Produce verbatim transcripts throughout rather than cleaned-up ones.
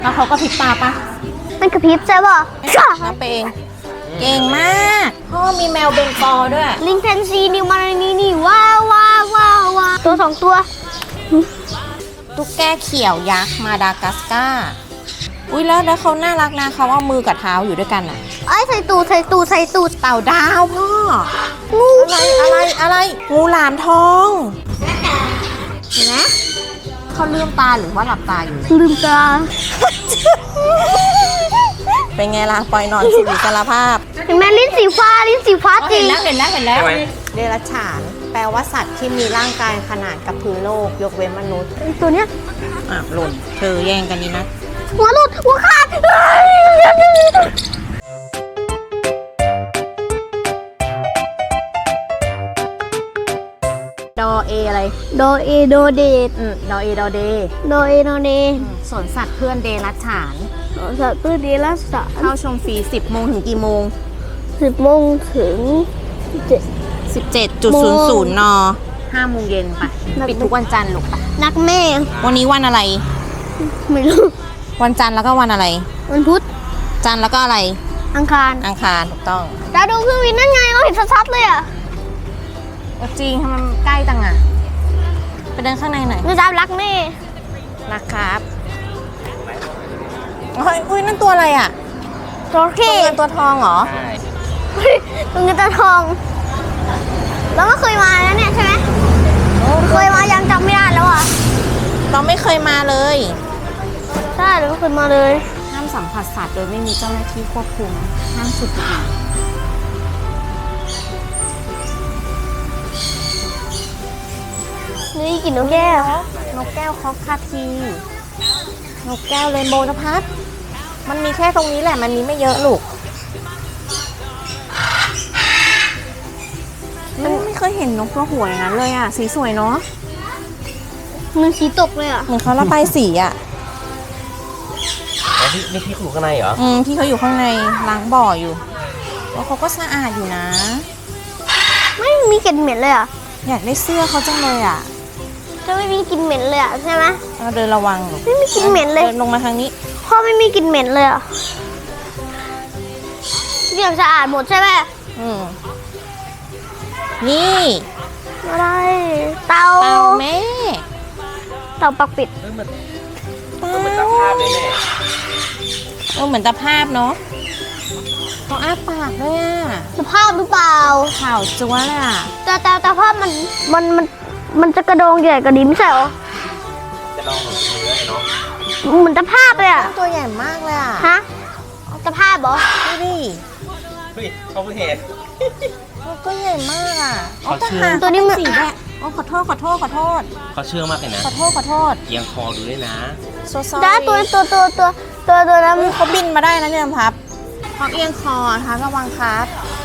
แล้วเขาก็พริบตาปะมันกระพริบใช่ป่ะนับไปเองเก่งมากพ่อมีแมวเบงกอลด้วยลิงแพนซีนิวมารานีนี่ว้าวว้าวว้าวว้าวตัวสองตัวตุ๊กแกเขียวยักษ์มาดากัสการ์อุ้ยแล้วแล้วเขาน่ารักนะเขาเอามือกับเท้าอยู่ด้วยกันอ่ะไอ้ใส่ตูดใส่ตูดใส่ตูดเต่าดาวพ่องูอะไรอะไรอะไรงูหลามทองเห็นไหมเขาลืมตาหรือว่าหลับตาอยู่ลืมตาเป็นไงล่ะปล่อยนอนสู่อิสรภาพเห็นไหมลิ้นสีฟ้าลิ้นสีฟ้าจริงเห็นแล้วเห็นแล้วเห็นแล้วเดรัจฉานแปลว่าสัตว์ที่มีร่างกายขนาดกับพื้นโลกยกเว้นมนุษย์ตัวเนี้ยอ่ะหล่นเธอแย่งกันนี่นะหัวหลุดหัวขาดดอเออะไรโดเอโดเดดอืมดอเอดอเดโดเอโดเดสวนสัตว์เพื่อนเดรัจฉานสวนสัตว์เพื่อนเดรัจฉานเข้าชมฟรีสิบโมงถึงกี่โมงสิบโมงถึงเจ็ดสิบเจ็ดจุดศูนย์ศูนย์นห้าโมงเย็นไปปิดทุกวันจันทร์ลูกไปนักแม่วันนี้วันอะไรไม่รู้วันจันทร์แล้วก็วันอะไรวันพุธจันทร์แล้วก็อะไรอังคารอังคารถูกต้องดาวดูเครื่องบินนั่นไงเราเห็นชัดๆเลยอ่ะจริงทำไมใกล้จังอ่ะไปเดินข้างในหน่อยนี่ดาวรักแม่รักครับเฮ้ยอุ้ยนั่นตัวอะไรอ่ะตัวเท่ตัวเงินตัวทองเหรอใช่ตัวเงินตัวทองเราก็เคยมาแล้วเนี่ยใช่ไหมเคยมายังจำไม่ได้แล้วอ่ะเราไม่เคยมาเลยใช่เราไม่เคยมาเลยห้ามสัมผัสสัตว์โดยไม่มีเจ้าหน้าที่ควบคุมห้ามสูบบุหรี่นี่กินนกแก้วนกแก้วคอกคาทีนกแก้วเรนโบว์นภัสมันมีแค่ตรงนี้แหละมันมีไม่เยอะลูกมันไม่เคยเห็นนกตัวหัวอย่างนั้นเลยอ่ะสีสวยเนาะมันสีตกเลยอ่ะเหมือนเขาระบายสีอ่ะนี่นี่พี่อยู่ข้างในเหรออืมพี่เขาอยู่ข้างในล้างบ่ออยู่แล้วเขาก็สะอาดอยู่นะไม่มีกลิ่นเหม็นเลยอ่ะอยากได้เสื้อเขาจังเลยอ่ะจะไม่มีกลิ่นเหม็นเลยอ่ะใช่ไหมเดินระวังไม่มีกลิ่นเหม็นเลยเดินลงมาทางนี้พ่อไม่มีกลิ่นเหม็นเลยอ่ะเรียบสะอาดหมดใช่ไหมอืมนี่อะไรเต่าเต่าแม่เต่าปักปิดเออเหมือนเหมือนตาภาพเลยแม่เออเหมือนตาภาพเนาะเขาอ้าปากด้วยอ่ะตาภาพหรือเปล่าข่าวจั๊วเลยอ่ะแต่แต่ตาภาพมันมันมันมันจะกระโดงใหญ่กว่าดิมใช่หรอจะลองหนูเนื้อเนาะเหมือนตาภาพเลยอ่ะตัวใหญ่มากเลยอ่ะฮะตาภาพเหรอดูดิเฮ้ยเขาเพิ่งเห็นตัวใหญ่มากอ่ะเขาเชื่อตัวนี้มันสีแดงอ๋อขอโทษขอโทษขอโทษเขาเชื่อมากเลยนะขอโทษขอโทษเอียงคอดูด้วยนะได้ตัวตัวตัวตัวตัวตัวนั้นเขาบินมาได้นะเนี่ยพับเขาเอียงคอนะคะระวังครับ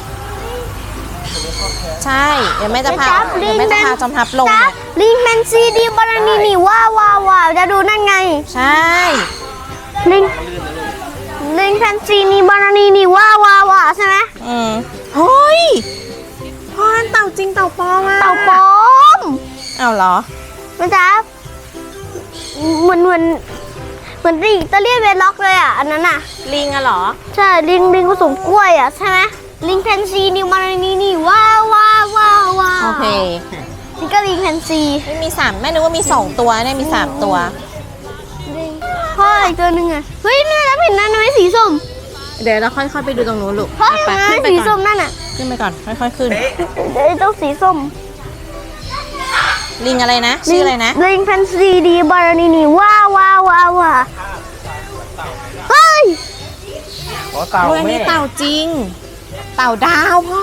ใช่เดี๋ยวแม่จะพาเดี๋ยวแม่จะพาจอมทัพลงเนี่ยลิงแมนซีดีบารานีนี่ว้าวว้าวว้าวจะดูนั่นไงใช่ลิงลิงแมนซีนีบารานีนี่ว้าวว้าวว้าวใช่ไหมอืมเฮ้ยพ่อเต่าจริงเต่าปลอมอ่ะเต่าปลอมเอาเหรอมันจะเหมือนเหมือนเหมือนลิงตะเลียนเวล็อกเลยอ่ะอันนั้นอ่ะลิงอะเหรอใช่ลิงลิงผสมกล้วยอ่ะใช่ไหมลิงแพนซีนิวมารานีนี่ว้าวว้าวว้าวว้าวโอเคนี่ก็ลิงแพนซีไม่มีสามแม่นึกว่ามีสองตัวเนี่ยมีสามตัวพ่ออีกตัวหนึ่งอ่ะเฮ้ยแม่แล้วเห็นนั่นไหมสีส้มเดี๋ยวเราค่อยๆไปดูตรงนู้นลูกพ่อเห็นไหมสีส้มนั่นอ่ะขึ้นไปก่อนค่อยๆขึ้นเดี๋ยวต้องสีส้มลิงอะไรนะชื่ออะไรนะลิงแพนซีดีบารานีนี่ว้าวว้าวว้าวว้าวเฮ้ยเต่าแม่เต่าจริงเต่าดาวพ่อ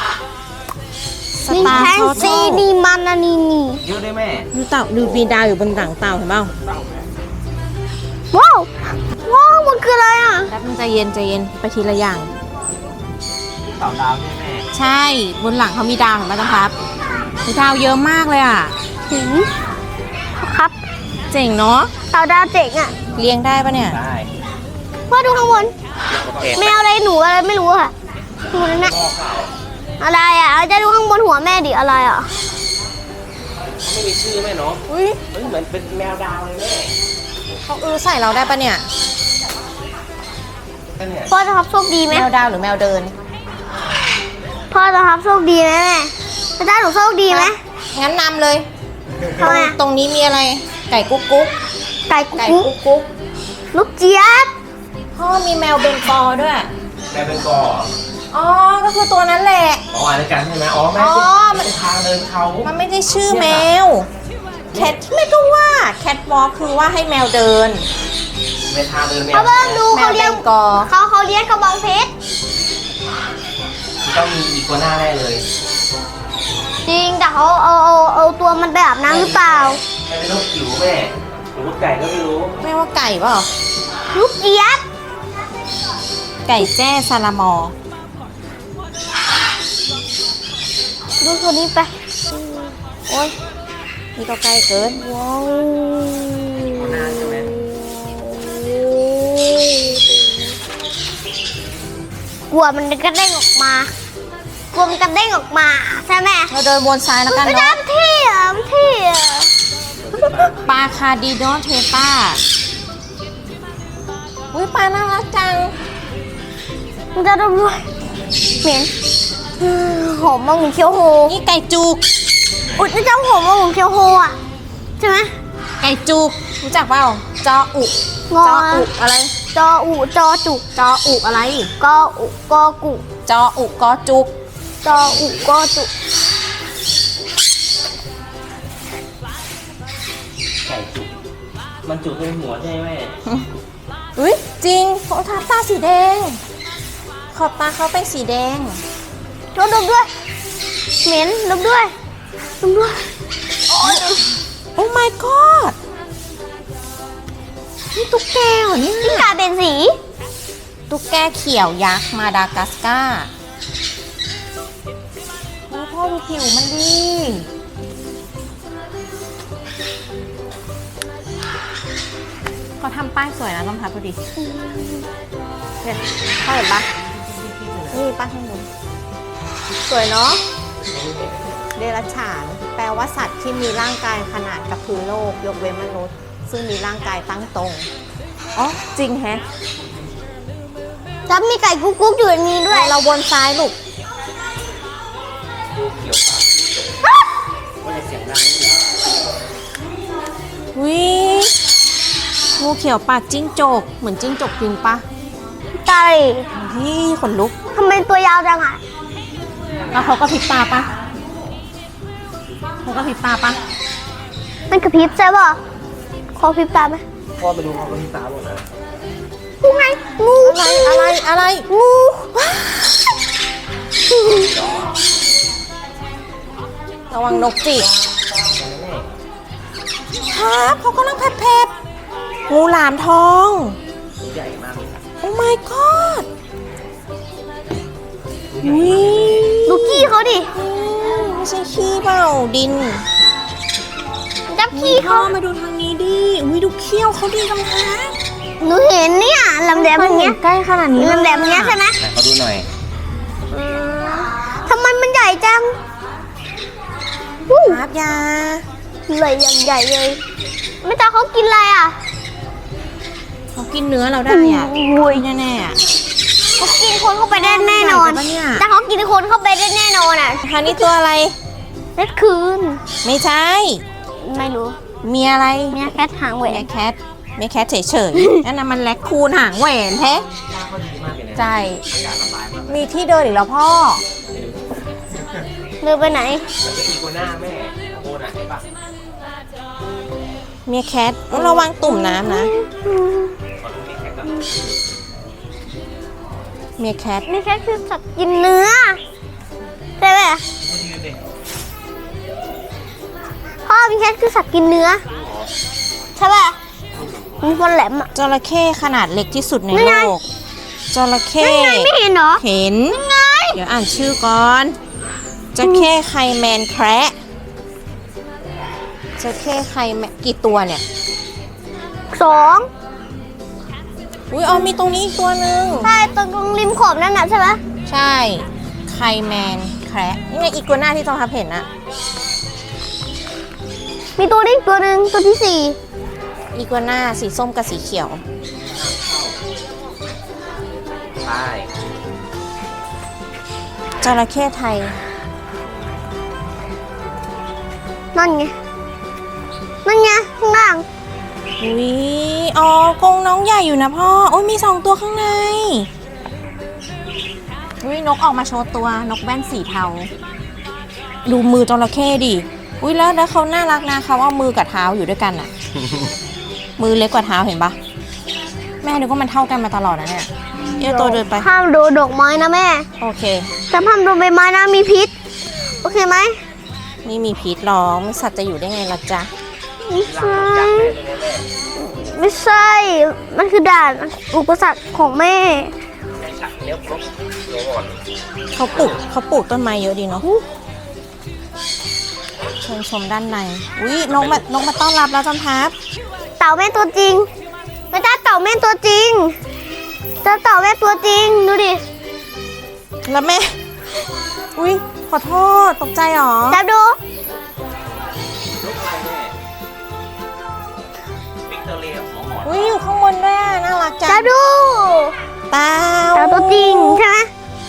ลิงแพนซีดีมารานีนี่เยอะได้แม่ดูเต่าดูมีดาวอยู่บนหลังเต่าเห็นเปล่าว้าวว้าวมันคืออะไรอ่ะแป๊บนึงใจเย็นใจเย็นไปทีละอย่างเต่าดาวใช่ไหมใช่บนหลังเขามีดาวเห็นไหมครับมีดาวเยอะมากเลยอ่ะถึงครับเจ๋งเนาะเต่าดาวเจ๋งอ่ะเลี้ยงได้ปะเนี่ยได้พ่อดูข้างบนแมวอะไรหนูอะไรไม่รู้ค่ะดูนั่นนะอะไรอ่ะจะดูข้างบนหัวแม่ดิอะไรอ่ะไม่มีชื่อแม่เนาะอุ้ยเหมือนเป็นแมวดาวเลยแม่เขาเออใส่เราได้ปะเนี่ยก็เนี่ยพ่อจะทับโชคดีไหมแมวดาวหรือแมวเดินพ่อจะทับโชคดีไหมแม่จะได้หนูโชคดีไหมงั้นนำเลยทำไมอะตรงนี้มีอะไร ไก่กุ๊กกุ๊กไก่กุ๊ไก่กกุ๊กกุ๊กลูกเจี๊ยบพ่อมีแมวเบงกอลด้วยแม่เป็นกออ๋อ ก็คือตัวนั้นแหละอ๋ออ่านด้วยกันใช่ไหมอ๋อแม่อ๋อมันเป็นทางเดินเขามันไม่ได้ชื่อแมว แคทแม่ก็ว่าแคทวอล์กคือว่าให้แมวเดินเป็นทางเดินแมวเขาเบิ่งดูแมเขาวเบเลี้ยงงกอลเขาเขาเลี้ยงกระบองเพชรต้องมีอีกัวน่าแน่เลยจริงแต่เขาเอาเอาเอาตัวมันไปอาบน้ำหรือเปล่าแม่เป็นลูกจิ๋วแม่หรือลูกไก่ก็ไม่รู้แม่ว่าไก่เปล่าลูกเจี๊ยบไก่แจ้ซาลามอร์ดูตัวนี้ไปโอ้ยนี่ก็ไกลเกินว้าวกัวน่าใช่ไหมกลัวมันกระเด้งออกมากลัวมันกระเด้งออกมาใช่ไหมเราเดินวนซ้ายแล้วกันไม่เนาะได้ที่อ่ะมันที่อ่ะปลาคาร์ดิโดเทป้าอุ้ยปลาน่ารักจังมันจะดมด้วยเหม็นอืมหอมมากเหมือนเคี้ยวโฮนี่ไก่จุกอุ๊ยนี่เจ้าหอมมากเหมือนเคี้ยวโฮอ่ะใช่ไหมไก่จุก รู้จักเปล่า จออุงอจออุอะไรจออุจอจุกจออุอะไรกออุกอกุจออุกอจุกจออุกอจุกไก่จุกมันจุกเป็นหัวใช่ไหมอุ้ยจริงเขาทาตาสีแดง ขอบตาเขาเป็นสีแดงดมดมด้วยเหม็นดมด้วยดมด้วยโอ้ my god นี่ตุ๊กแกเหรอเนี่ยที่กลายเป็นสีตุ๊กแกเขียวยักษ์มาดากัสการ์โอ้พ่อดูผิวมันดีเขาทำป้ายสวยนะลองทับดูดิเนี่ยพ่อเห็นปะนี่ป้ายข้างบนสวยเนาะเดรัจฉาน แปลว่าสัตว์ที่มีร่างกายขนาดกับพื้นโลก ยกเว้นมนุษย์ ซึ่งมีร่างกายตั้งตรง อ๋อ จริงแฮะแล้วมีไก่กุ๊กกุ๊กอยู่ในนี้ด้วยเราวนซ้ายลูกเขียวปากว่าจะเสียงดังนี่เหรอวิงูเขียวปากจิ้งจก เหมือนจิ้งจกจริงปะไก่นี่ขนลุกทำไมตัวยาวจังอ่ะแล้วเขาก็พริบตาปะเขาก็พริบตาปะมันกระพริบใช่ป่ะขอพริบตาไหมพ่อไปดูเขาเป็นตาหมดนะงูไงงูอะไรอะไรอะไรงูระวังนกจิกครับเขากำลังแผลบๆงูหลามทองตัวใหญ่มากเลยโอ้ my god วิดูขี้เขาดิไม่ใช่ขี้เปล่าดินจับขี้พ่อเขามาดูทางนี้ดิอุ้ยดูเขี้ยวเขาดีกำแพงหนูเห็นเนี่ยลำแหลมอย่างเงี้ยใกล้ขนาดนี้ลำแหลมอย่างเงี้ยใช่ไหมไหนเขาดูหน่อยทำไมมันใหญ่จังอู้ครับยาใหญ่อย่างใหญ่เลยไม่ตาเขากินอะไรอ่ะเขากินเนื้อเราได้อ่ะอุ้ยแน่ๆอ่ะเขากินคนเข้าไปได้แน่นอนใหญ่ไปปะเนี่ยแต่เขากินคนเข้าไปได้แน่นอนอ่ะคราวนี้ตัวอะไรเล็ดคืนไม่ใช่ไม่รู้มีอะไรเมียแคทหางแหวเมีนยแคทเมียแคทเฉยๆ นั่นน่ะมันแลคคูนหางแหวนแท้ตาเขาดีมากเลยนะใจอากาศระบายมากมีที่เดินอีกแล้วพ่อเดินไปไหนแล้วก็อีกัวน่าแม่โอ้น่ะเห็นปะเมียแคทระวังตุ่มน้ำนะขอดูนี่แค่ก่อนเมียแคทเมียแคทคือสัตว์กินเนื้อใช่ไหมดูยืนดิพ่อเมียแคทคือสัตว์กินเนื้อใช่ป่ะมีคนแหลมอ่ะจระเข้ขนาดเล็กที่สุดในนั่นโลไงก จระเข้นั่นไงไม่เห็นเหรอเห็นไงเดี๋ยวอ่านชื่อก่อนจระเข้ไคแมนแคระจระเข้ไคแมนกี่ตัวเนี่ยสองอุ้ยเอามีตรงนี้อีกตัวหนึ่งใช่ตรงริมขอบนั่นน่ะใช่ไหมใช่ไคแมนแคระนี่ไงอีกตัวหน้าที่ต้องทับเห็นนะมีตัวนี้อีกตัวหนึ่งตัวที่สี่อีกตัวหน้าสีส้มกับสีเขียวระเข้ไทยนั่นไง นั่นไงข้างล่างอุ้ยอ๋อกรงน้องใหญ่อยู่นะพ่ออุ้ยมีสองตัวข้างในอุ้ยนกออกมาโชว์ตัวนกแว่นสีเทา ดูมือจระเข้ดิอุ้ยแล้วแล้วเขาน่ารักนะเขาเอามือกับเท้าอยู่ด้วยกันอะ มือเล็กกว่าเท้าเห็นปะแม่นึกว่ามันเท่ากันมาตลอดนะเนี่ยเอ้ยตัวเดินไปห้ามดูดอกไม้นะแม่โอเคแต่ห้ามดูใบไม้นะมีพิษ โอเคไหมไม่มีพิษหรอกไม่สัตว์จะอยู่ได้ไงล่ะจ๊ะไม่ใช่ ไม่ใช่ มันคือด่านอุปสรรคของแม่ในฉากเลี้ยวครบเดี๋ยวก่อนเขาปลูกเขาปลูกต้นไม้เยอะดีเนาะเชิญชมด้านในอุ้ยนกมานกมาต้อนรับแล้วจำพับเต่าแม่ตัวจริงไม่ใช่เต่าแม่ตัวจริงเจ้าเต่าแม่ตัวจริง ดูดิแล้วแม่ อุ้ยขอโทษตกใจหรอจับดูลูกใครแม่วิกตอเรียหมอหมอนอุ้ยอยู่ข้างบนด้วยอะน่ารักจัจังบดูเต่าเต่าตัวจริงใช่ไหม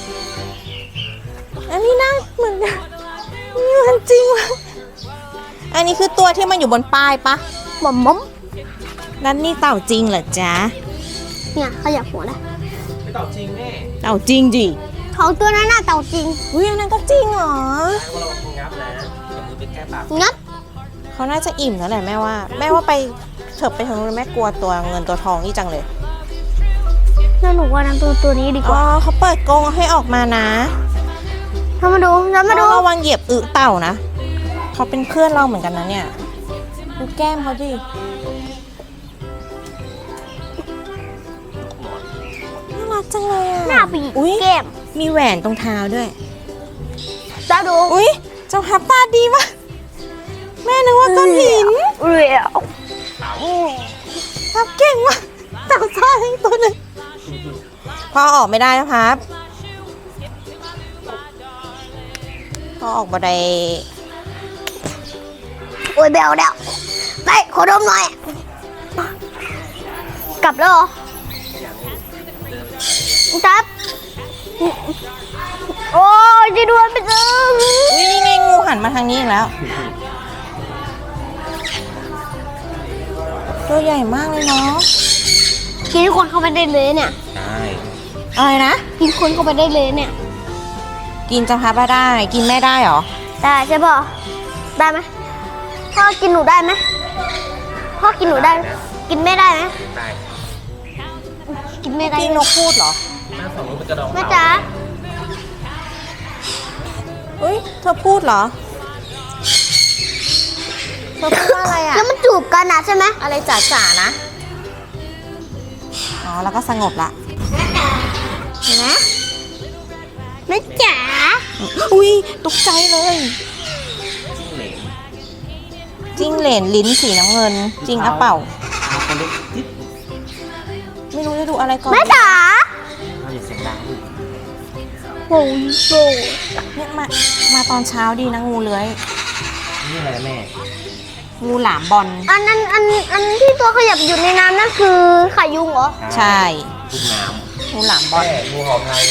อันนี้น่าเหมือนกันนี่มันจริงว่ะอันนี้คือตัวที่มันอยู่บนป้ายปะหม่อมม่อมนั่นนี่เต่าจริงเหรอจ๊ะเนี่ยขยับหัวนะไม่ตอบจริงแม่เต่าจริงดิของตัวนั้นน่ะเต่าจริงอุ้ยอันนั้นก็จริงเหรอใช้ว่าเรางับนะเดี๋ยวมือไปแก้ปากงับเขาน่าจะอิ่มแล้วแหละแม่ว่า แม่ว่าไปเถิบไปทางนู้นแม่กลัวตัวเงินตัวทองนี่จังเลยแล้วหนูว่าน้ำตัวตัวนี้ดีกอ๋อว่าเขาเปิดกรงให้ออกมานะทำมาดูทำมาดูเราระวังเหยียบอึเต่านะเขาเป็นเพื่อนเราเหมือนกันนะเนี่ยดูแก้มเขาดิน่ารักจังเลยอ่ะหน้าปีกอุ้ยแก้มมีแหวนตรงเท้าด้วยจับดูอุ้ยเจ้าพับตาดีมากแม่นึกว่าก้อนหินเรียวพับเก่งมากเต่าซ่าทั้งตัวเลยพอออกไม่ได้นะครับพอออกมาได้โอ้ยเบลเดวไปขอดมหน่อย กลับแล้วเหรอจับ โอ้ยจะดวนไปจึงอุ้ยนี่ไงงูหันมาทางนี้อีกแล้ว ตัวใหญ่มากเลยเนาะกินคนเข้าไปได้เลยเนี่ยใช่อะไรนะกินคนเข้าไปได้เลยเนี่ยกินจะพับได้ กินแม่ได้เหรอได้ใช่ป่ะได้ไหมพ่อกินหนูได้ไหมพ่อกินหนูได้ กินไม่ได้ไหมได้กินไม่ได้กินนกพูดเหรอหน้าสองมือเป็นกระดองแม่จ๋าอุ้ยเธอพูดเหรอ เธอพูดว่าอะไรอ่ะแล้วมันจูบกันนะใช่ไหมอะไรจ๋าจ๋าๆนะ อ๋อ แล้วก็สงบละเห็นไหมแม่จ๋าอุ้ยตกใจเลยจิ้งเหลนจิ้งเหลนลิ้นสีน้ำเงิน จริงอะเปล่าเอาคนเล็กจิ๊บไม่รู้จะดูอะไรก่อนแม่จ๋าเอาอย่าเสียงดังดิโอ้ยโซ่เนี่ยมา มาตอนเช้าดีนะงูเลื้อยนี่อะไรนะแม่งูหลามบอลอันนั้นอันอันที่ตัวขยับอยู่ในน้ำนั่นคือไข่ยุงเหรอใช่ลูกน้งูหลามำบอลแม่งูเห่าไทย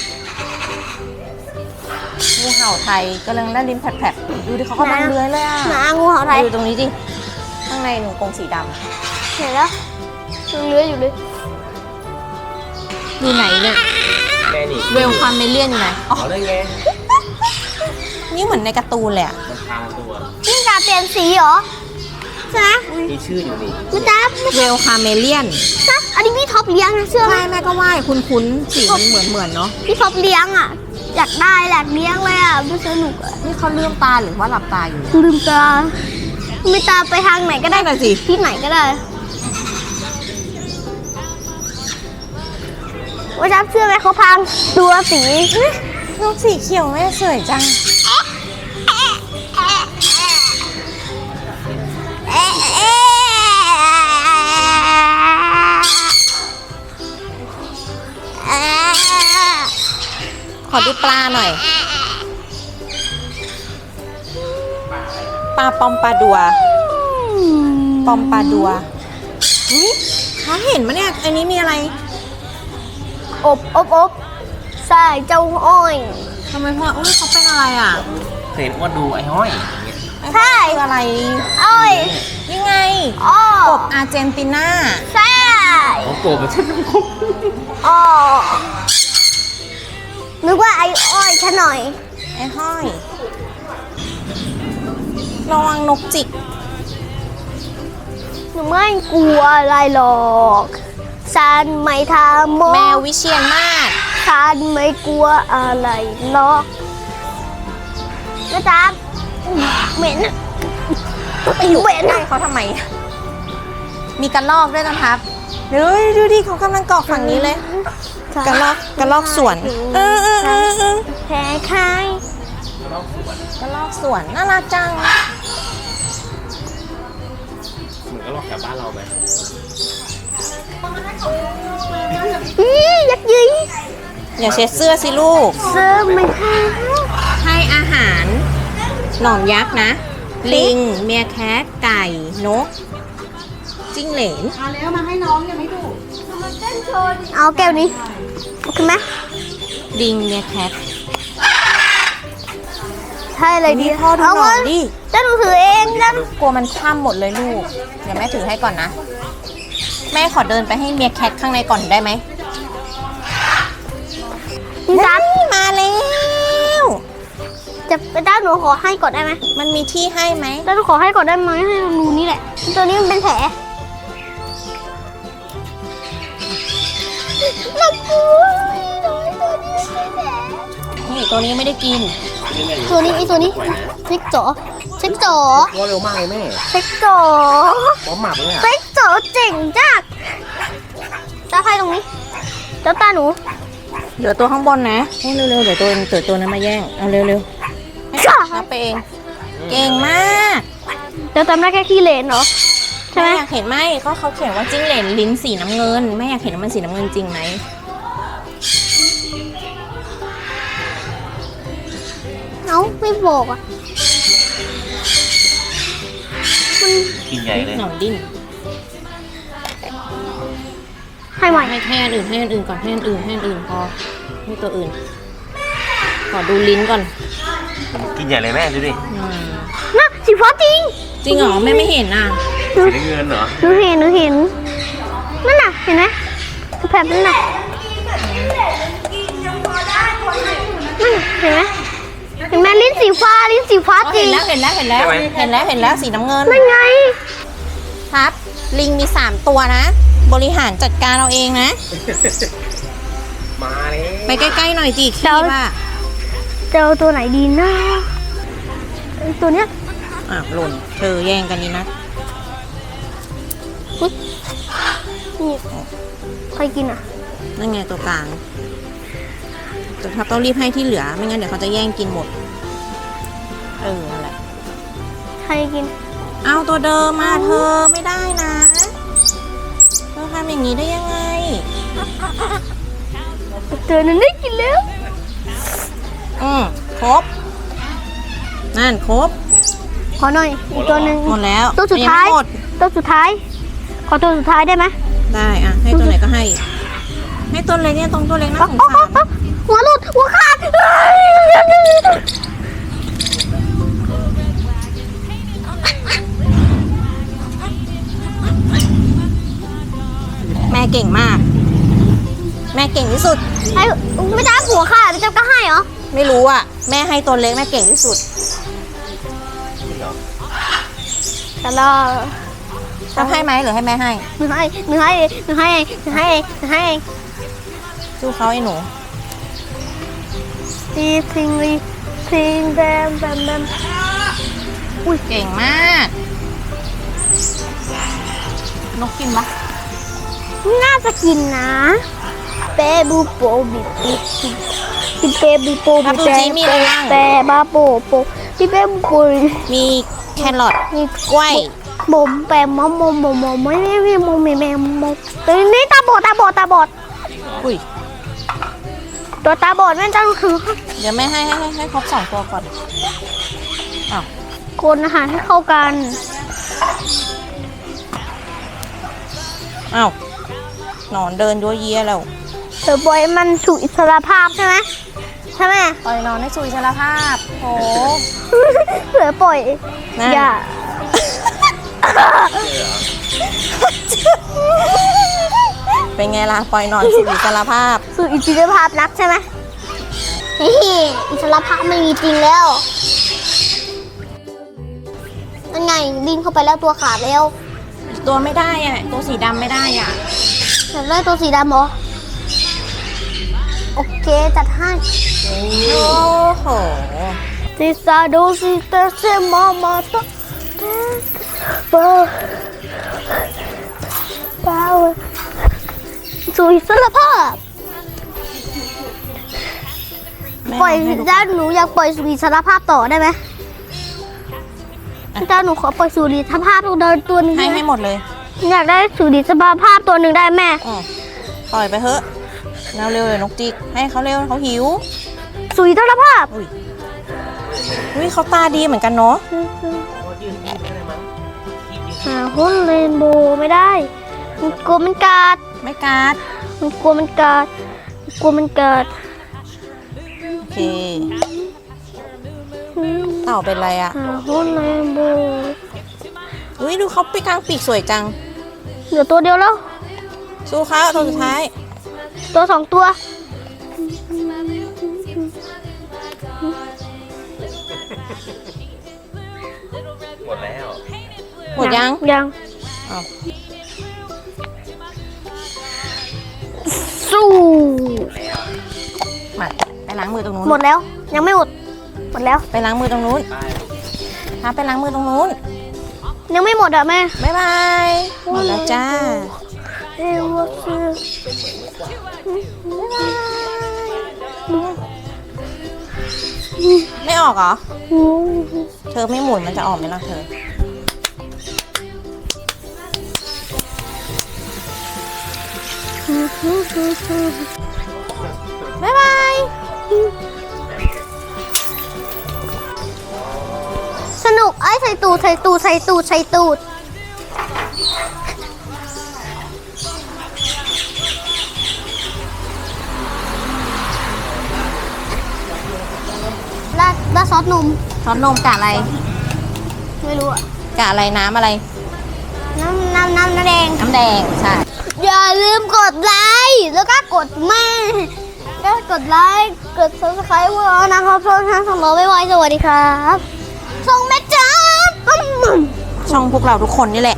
งูเห่าไทยกำลังได้ลิ้นแผลบๆดูดิเขากำลังเลื้อยเลยอ่ะหมางูเห่าไทยดูตรงนี้ดิ ข้างในหนูกรงสีดเห็นแล้วยังเลื้อยอยู่เลยำอยู่ไหนเนี่ยแม่นี่เวลความเมเลียนอยู่ไหนอ๋อเอาได้ไงนี่เหมือนในการ์ตูนเลยอะมันพางตัวนี่กาเปลี่ยนสีเหรอใช่ไหมมีชื่ออยู่นี่แม่จ๋าเวลคาเมเลียนจ๊ะอันนี้พี่ท็อปเลี้ยงนะเชื่อไหมใช่แม่ก็ว่าคุ้นคุ้นๆสีมันเหมือนเหมือนๆเนาะพี่ท็อปเลี้ยงอ่ะ อยากได้อยากเลี้ยงเลยอ่ะมันสนุกอ่ะนี่เขาเลื่อมตาหรือว่าหลับตาอยู่เนี่ยลืมตาไม่ตาไปทางไหนก็ได้นั่นน่ะสิที่ไหนก็ได้ว่าจับเชื่อไหมเขาพังตัวสีนกสีเขียวแม่สวยจัง ขอดูปลาหน่อย ปลาปอมปลาดัว ปอมปลาดัวอุ้ยเขาเห็นมะเนี่ย อันนี้มีอะไรอบอบอบใช่เจ้าอ้อยทำไมพ่ออุ้ยเขาเป็นอะไรอ่ะเคยเห็นอ้วนดูไอ้ห้อยอย่างเงี้ยใช่คืออะไรโอ้ยนี่ไงอ้อกบอาร์เจนตินาใช่เขาโกรธมาฉันน้ำคุกอ้อนึกว่าไอ้อ้อยฉันหน่อยไอ้ห้อย ระวังนกจิกหนูไม่กลัวอะไรหรอกฉันไม่ทำโมแมววิเชียนมาศฉันไม่กลัวอะไรหรอกนะจ๊ะเหม็นอะไปอยู่เหม็นใกล้เขาทำไม มีกระลอกด้วยนะครับเดี๋ยวดูดิเขากำลังเกาะฝั่งนี้เลย กระลอกกระลอกสวน เออเออเออเออแพ้ใครกระลอกสวนน่ารักจังเหมือนก็ลอกแถวบ้านเราไหมอียักษ์ยืยอย่าเช็ดเสื้อสิลูกเสื้อไม่ให้ให้อาหาร หนอนยักษ์นะ ลิง เมียแคทไก่ นก จิ้งเหลนเอาแก้วนี้โอเคไหมลิง เมียแคทใช่เลยดีพ่อดูเอาหน่อยมาดิจะหนูถือเองจะกลัวมันคว่ำหมดเลยลูก เดี๋ยวแม่ถือให้ก่อนนะ แม่ขอเดินไปให้เมียแคทข้างในก่อนได้ไหมพี่จ๊ะเฮ้ยมาแล้วจะไปด้านหนูขอให้ก่อนได้ไหมมันมีที่ให้ไหมด้านหนูขอให้ก่อนได้ไหมให้รูนี่แหละ ตัวนี้มันเป็นแผลน่ากลัวตัวนี้เป็นแผลนี่ตัวนี้ไม่ได้กินตัวนี้ไอตัวนี้เซ็กจ๋อเซ็กจ๋อว่าเร็วมากเลยแม่เซ็กจ๋อป้อมหมักเลยอ่ะเซ็กจ๋อเจ๋งจัดตาใครตรงนี้เจ้าตาหนูเดี๋ยวตัวข้างบนนะให้เร็วๆ เดี๋ยวตัวเดี๋ยวตัวนั้นมาแย่ง เอาเร็วๆ ให้รับไปเอง เก่งมากเจ้าตามได้แค่ขี้เหร่เหรอใช่ไหมแม่อยากเห็นไหมก็เขาเขียนว่าจิ้งเหลนลิ้นสีน้ำเงินแม่อยากเห็นว่ามันสีน้ำเงินจริงไหมเอ้าไม่บอกอ่ะมันกินใหญ่เลยหนอนดิ้นให้ใหม่ให้ให้อันอื่นให้อันอื่นก่อนให้อันอื่นให้อันอื่นพอให้ตัวอื่น ขอดูลิ้นก่อนกินใหญ่เลยแม่ดูดิอืมน่ะสีฟ้าจริงจริงเหรอแม่ไม่เห็นอ่ะสีน้ำเงินเหรอหนูเห็นหนูเห็นนั่นน่ะเห็นไหมแผลนั่นน่ะนั่นน่ะเห็นไหมเห็นไหมลิ้นสีฟ้าลิ้นสีฟ้าอ๋อจริเห็งนแล้วเห็นแล้วเห็นแล้วเห็นแล้วเห็นแล้วสีน้ำเงินนั่นไงครับ ลิงมีสามตัวนะ บริหารจัดการเอาเองนะมาเลยไปใกล้ๆหน่อยจีขี้ว่าเจอตัวไหนดีนะไอ้ตัวเนี้ยอ่ะหล่นเธอแย่งกันนี่นะนี่ใครกินอ่ะนั่นไงตัวกลางแต่ถ้าต้องรีบให้ที่เหลือไม่งั้นเดี๋ยวเขาจะแย่งกินหมด เออนั่นแหละใครกินเอาตัวเดิมมาเธอไม่ได้นะเธอทำอย่างนี้ได้ยังไงเจอนั้นได้กินแล้วอืมครบ นั่นครบขอหน่อยอีกตัวหนึ่งหมดแล้วตัวสุดท้ายงไม่หมดตัวสุดท้าย ขอตัวสุดท้ายได้ไหมได้อ่ะให้ตัวไหนก็ให้ ให้ตัวเล็กเนี่ยตรงตัวเล็กน่าสงสารหัวหลุดหัวขาดแม่เก่งมาก แม่เก่งที่สุดไอ้ไม่จ้าหัวขาดไม่จ้าก็ให้เหรอไม่รู้อ่ะ แม่ให้ตัวเล็กแม่เก่งที่สุดแต่เราจะให้ไหมหรือให้แม่ให้หนูให้หนูให้หนูให้หนูให้หนูให้สู้เขาไอ้หนูทีทิงลีทิงแบมแบมแบมอุ้ยเก่งมาก นกกินปะน่าจะกินนะเปบูโปบิบิบิเปบูโปบิเปเปบาโปโปบิเปบูโปมีแครอทมีกล้วยบมแปมมอมมอมมอมมอมไม่ไม่ไม่มอมไม่แม่มอมตัวนี้ตาบอดตาบอดตาบอดอุ้ยตัวตาบอดแม่จ้าคือเดี๋ยวแม่ให้ให้ให้ให้ครบสองตัวก่อน อ้าวคนอาหารให้เข้ากันอ้าวหนอนเดินยัวเยียแล้วเธอปล่อยมันสู่อิสรภาพใช่ไหมใช่ไหมปล่อยนอนให้สู่อิสรภาพโหเผื่อปล่อยนั่นอย่าเป็นไงล่ะปล่อยนอนสู่อิสรภาพสู่อิสรภาพนักใช่ไหมเฮ้ยอิสรภาพไม่มีจริงแล้วนั่นไงดิ้นเข้าไปแล้วตัวขาดแล้วตัวไม่ได้อ่ะตัวสีดำไม่ได้อ่ะอยากได้ตัวสีดำเหรอโอเคจัดให้โอ้โหซิซาโดซิเตเซมามาตะเปอร์เปล่าสู่อิสรภาพแม่ปล่อยให้ดูด้านหนูอยากปล่อยสู่อิสรภาพต่อได้ไหมด้านหนูขอปล่อยสู่อิสรภาพตัวตัวหนึงให้ได้ไหมให้หมดเลยอยากได้สู่อิสรภาพตัวหนึ่งได้แม่อืมปล่อยไปเถอะเร็วเร็วเลยนกจิกให้เขาเร็วเขาหิวสู่อิสรภาพอุ้ยอุ้ยเขาตาดีเหมือนกันเนาะหาหุ้นเรนโบว์ไม่ได้มันกลัวมันกัดไม่กัดมันกลัวมันกัดมันกลัวมันกัดโอเคเต่าเป็นไรอ่ะหาหุ้นเรนโบว์อุ้ยดูเขาปีกกลางปีกสวยจังเหลือตัวเดียวแล้วสู้เขาตัวสุดท้ายตัวสองตัวหมดแล้วหมดยังยังอ้าวสู้มาไปล้างมือตรงนู้นหมดแล้ว ยังไม่หมด หมดแล้วไปล้างมือตรงนู้นป้ายพาไปล้างมือตรงนู้นยังไม่หมดอ่ะแม่บ๊ายบายหมดแล้วจ้าเอ้วคือไม่ออกเหรอ เธอไม่หมุนมันจะออกไหมล่ะเธอ บ๊ายบายสนุกไอ้ใส่ตูดใส่ตูดใส่ตูดใส่ตูดราดราดซอสนมซอสนมกะอะไรไม่รู้อะกะอะไรน้ำอะไรน้ำน้ำน้ำน้ำแดงน้ำแดง ใช่อย่าลืมกดไลค์แล้วก็กดแม่ก็กดไลค์กด ซับสไครบ์ พวกเรานะครับช่องทางสมองไวๆสวัสดีครับส่งแม่จ้าอืมช่องพวกเราทุกคนนี่แหละ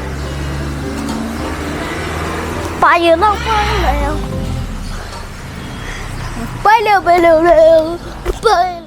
ไปเยอะมากไปเร็วไปเร็วไปเร็วเร็วไป